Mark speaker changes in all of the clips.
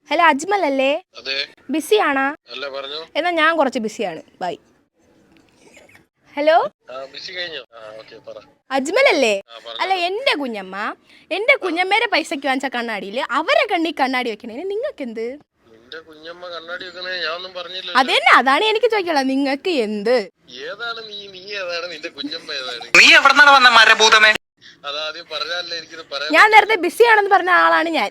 Speaker 1: Hello Ajmal അല്ലേ? ബിസിയാണോ? എന്നാ ഞാൻ കുറച്ച് ബിസിയാണ്. ബൈ. ഹലോ അജ്മൽ അല്ലേ? അല്ല, എന്റെ കുഞ്ഞമ്മേരെ പൈസക്ക് വാങ്ങിച്ച കണ്ണാടിയില് അവരെ കണ്ണി കണ്ണാടി വെക്കണേ നിങ്ങൾക്ക് എന്ത്? അതെന്നെ, അതാണ് എനിക്ക് ചോദിക്കാനുള്ളത്. നിങ്ങൾക്ക് എന്ത്? ഞാൻ നേരത്തെ ബിസിയാണെന്ന് പറഞ്ഞ ആളാണ് ഞാൻ.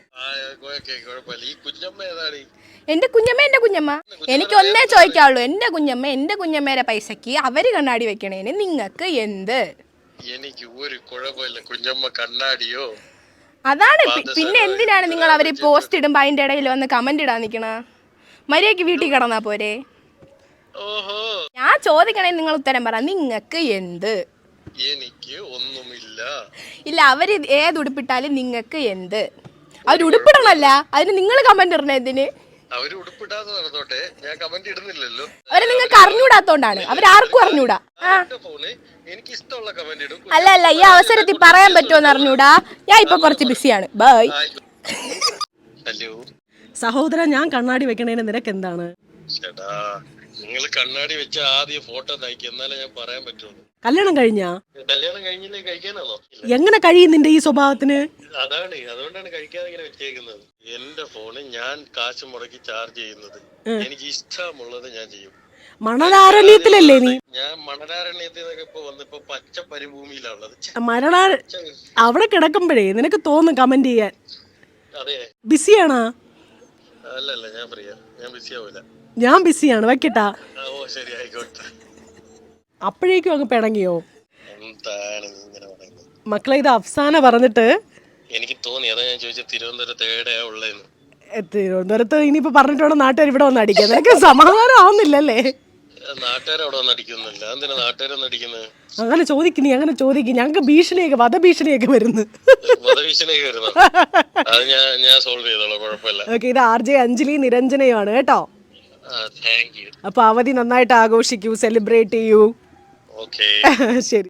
Speaker 1: എന്റെ കുഞ്ഞമ്മ എനിക്ക് ഒന്നേ ചോദിക്കാവുള്ളൂ. എന്റെ കുഞ്ഞമ്മേരെ പൈസക്ക് അവര് കണ്ണാടി വെക്കണേന് നിങ്ങൾക്ക് എന്ത്?
Speaker 2: എനിക്ക് ഒരു കുഴപ്പമില്ല. കുഞ്ഞമ്മ കണ്ണാടിയോ
Speaker 1: അതാണ്. പിന്നെ എന്തിനാണ് നിങ്ങൾ അവര് പോസ്റ്റ് ഇടുമ്പോ അതിന്റെ ഇടയിൽ വന്ന് കമന്റ് ഇടാൻ നിക്കണ? മര്യാദക്ക് വീട്ടിൽ കിടന്നാ പോരെ? ഞാൻ ചോദിക്കണേ നിങ്ങൾ ഉത്തരം പറ. നിങ്ങൾക്ക് എന്ത്?
Speaker 2: എനിക്ക് ഒന്നുമില്ല.
Speaker 1: ഇല്ല, അവര് ഏത് ഉടുപ്പിട്ടാലും നിങ്ങൾക്ക് എന്ത്? അവര് ഉടുപ്പിടണല്ല, അതിന് നിങ്ങൾ കമന്റ് ഇടണ എന്തിന്?
Speaker 2: അവര് ഉടുപ്പിടാതെ നടന്നോട്ടെ, ഞാൻ കമന്റ് ഇടുന്നില്ലല്ലോ.
Speaker 1: അവരെ നിങ്ങൾക്ക് അറിഞ്ഞൂടാത്തോണ്ടാണ്. അവരാർക്കും അറിഞ്ഞൂടാ.
Speaker 2: എനിക്ക് ഇഷ്ടമുള്ള കമന്റ് ഇടും.
Speaker 1: അല്ല, ഈ അവസരത്തിൽ പറയാൻ പറ്റുമോന്ന് അറിഞ്ഞൂടാ. ഞാൻ ഇപ്പൊ കുറച്ച് ബിസിയാണ്. ബൈ.
Speaker 2: ഹലോ
Speaker 3: സഹോദര, ഞാൻ കണ്ണാടി വെക്കണേന് നിനക്ക് എന്താണ്?
Speaker 2: ചേട്ടാ, നിങ്ങൾ കണ്ണാടി വെച്ച ആദ്യം ഫോട്ടോ നയിക്കും, എന്നാലേ ഞാൻ പറയാൻ പറ്റുള്ളൂ.
Speaker 3: കല്യാണം കഴിഞ്ഞാ?
Speaker 2: കല്യാണം കഴിഞ്ഞില്ലേ, കഴിക്കാനാണോ?
Speaker 3: എങ്ങനെ കഴിയും നിന്റെ ഈ സ്വഭാവത്തിന്?
Speaker 2: അതുകൊണ്ടാണ് കഴിക്കാതെ ഇങ്ങനെ വെച്ചേക്കുന്നത്. എന്റെ ഫോണ് ഞാൻ കാശ് മുടക്കി ചാർജ് ചെയ്യുന്നത്. എനിക്ക് ഇഷ്ടമുള്ളത് ഞാൻ ചെയ്യും.
Speaker 3: മണലാരണ്യത്തിലല്ലേ നീ?
Speaker 2: ഞാൻ മണലാരണ്യത്തിൽ നിന്നൊക്കെ ഇപ്പൊ വന്നിപ്പോ പച്ച പരിഭൂമിയിലാണുള്ളത്.
Speaker 3: അവിടെ കിടക്കുമ്പോഴേ നിനക്ക് തോന്നും കമന്റ് ചെയ്യാൻ.
Speaker 2: അതെ,
Speaker 3: ബിസിയാണോ?
Speaker 2: അല്ലല്ല, ഞാൻ ഫ്രീയാ. ഞാൻ ബിസി ആവൂല.
Speaker 3: ഞാൻ ബിസിയാണ്, വെക്കട്ടാ.
Speaker 2: ഓ ശരി, ആയിക്കോട്ടെ.
Speaker 3: അപ്പോഴേക്കും അങ്ങ് പിണങ്ങിയോ?
Speaker 2: എന്താണ് ഇങ്ങനെ പറയുന്നത്?
Speaker 3: മക്കളെ, ഇത് അഫ്സാന പറഞ്ഞിട്ട്
Speaker 2: എനിക്ക് തോന്നി. അതാ ഞാൻ ചോദിച്ചത് തിരുവനന്തപുരത്ത് എവിടെയാ ഉള്ളതെന്ന്.
Speaker 3: തിരുവനന്തപുരത്ത് ഇനിയിപ്പോ പറഞ്ഞിട്ട് നാട്ടുകാർ ഇവിടെ വന്ന് അടിക്കുക. നിനക്ക് സമാധാനം ആവുന്നില്ലല്ലേ?
Speaker 2: നാട്ടുകാർ അവിടെ വന്ന് അടിക്കുന്നില്ല. എന്തിനാ നാട്ടുകാരൊന്നും അടിക്കുന്നത്?
Speaker 3: അങ്ങനെ ചോദിക്കും. ഞങ്ങൾക്ക് ഭീഷണിയൊക്കെ, വധഭീഷണിയൊക്കെ വരുന്നു.
Speaker 2: വധഭീഷണിയൊക്കെ വരുന്നു. അത് ഞാൻ സോൾവ് ചെയ്തോളാം, കുഴപ്പമില്ല.
Speaker 3: ഓക്കെ, ഇത് RJ അഞ്ജലി നിരഞ്ജനയാണ് കേട്ടോ.
Speaker 2: Thank you.
Speaker 3: അപ്പൊ അവധി നന്നായിട്ട് ആഘോഷിക്കൂ, സെലിബ്രേറ്റ് ചെയ്യൂ.
Speaker 2: ഓക്കേ,
Speaker 3: ശരി.